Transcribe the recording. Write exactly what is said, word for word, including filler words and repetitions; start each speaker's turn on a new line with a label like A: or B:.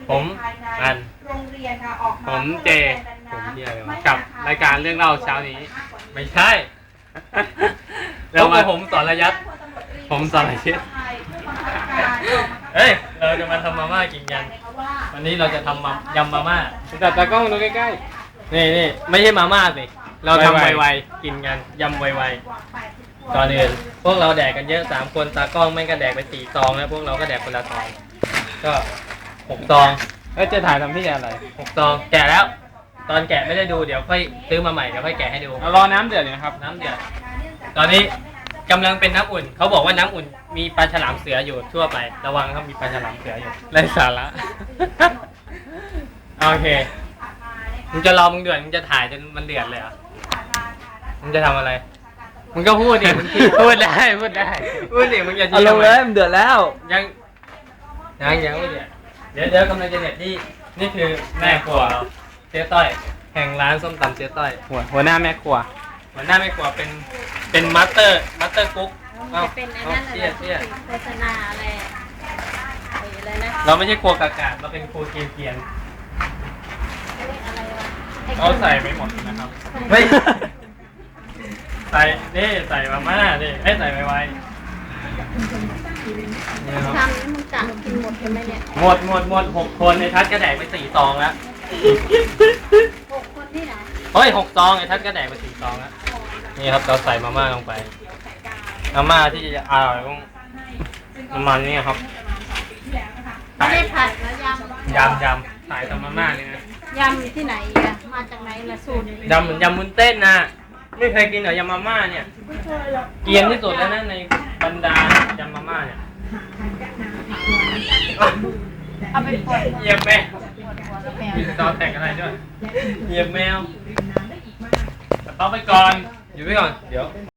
A: ผมอันผมเจผมเดียวกับรายการเรื่องเล่าเช้านี้ไม่ใช่เรามาผมสอนระยัดผมสอนระยัดเฮ้ยเราจะมาทำมาม่ากินกันวันนี้เราจะทำมายำมาม่าจับตากล้องดูใกล้ๆนี่นี่ไม่ใช่มาม่าสิเราทำไวๆกินกันยำไวๆก่อนอื่นพวกเราแดกกันเยอะสามคนตากล้องไม่ก็แดกไปสี่ซองแล้วพวกเราก็แดกคนละซองก็หกซองแล้วจะถ่ายทำที่อะไรหกซองแกะแล้วตอนแกะไม่ได้ดูเดี๋ยวค่อยซื้อมาใหม่เดี๋ยวค่อยแกะให้ดูรอน้ำเดือดนะครับน้ำเดือดตอนนี้กำลังเป็นน้ำอุ่นเขาบอกว่าน้ำอุ่นมีปลาฉลามเสืออยู่ทั่วไประวังครับมีปลาฉลามเสืออยู่ไร้สาระ โอเคมึงจะรอมึงเดือดมึงจะถ่ายจนมันเดือดเลยเหรอมึงจะทำอะไรมึงก็พูดดิมึงพูดได้พูดได้พูดดิมึงอย่าชี้ลงเลยมันเดือดแล้วยังยังยังไม่เดือดเดี๋ยวเดี๋ยวกำลังจะเด็ดที่นี่คือแม่ครัวเราเจ๊ต้อยแห่งร้านส้มตำเจ๊ต้อยหัวหัวหน้าแม่ครัวหัวหน้าแม่ครัวเป็นเป็นมาสเตอร์มาสเตอร์กุ๊ก
B: จะเป็นไอ้นั่นอะไรโฆษณาอะไรอะไรนะ
A: เราไม่ใช่ครัวกากาเราเป็นครัวเกียนเกียนเราใส่ไม่หมดนะครับไม่ใส่นี่ใส่มาม่านี่ให้ใส่ไวๆ
B: ทำนี่มึงจะกินหมดใช่ไหมเนี่ย
A: หมดหมดหมดหกคนในทัดกระแดกไปสี่ซองแล้ว
B: หกคนที่ไหน
A: เฮ้ยหกซองไอ้ทัดกระแดกไปสี่ซองแล้วนี่ครับเราใส่มาม่าลงไปมาม่าที่จะอร่อยต้องประมาณนี้ครับ
B: ไม่ได้ผัดนะยำ
A: ยำยำใส่ทำมาม่าเลยนะ
B: ยำที่ไหนอ่ะมาจากไหนละสูตร
A: ยำเหมือนยำมุนเต้นนะไม่เคยกินเหรอยำมาม่าเนี่ยเกรียนที่สุดแล้วนะในบรรดายำมาม่าเนี่ย
B: เอาไปปล่อย
A: เหยียบแมวมีสตอแต่งอะไรด้วยเหยียบแมวสต๊อปไปก่อนอยู่ไว้ก่อนเดี๋ยว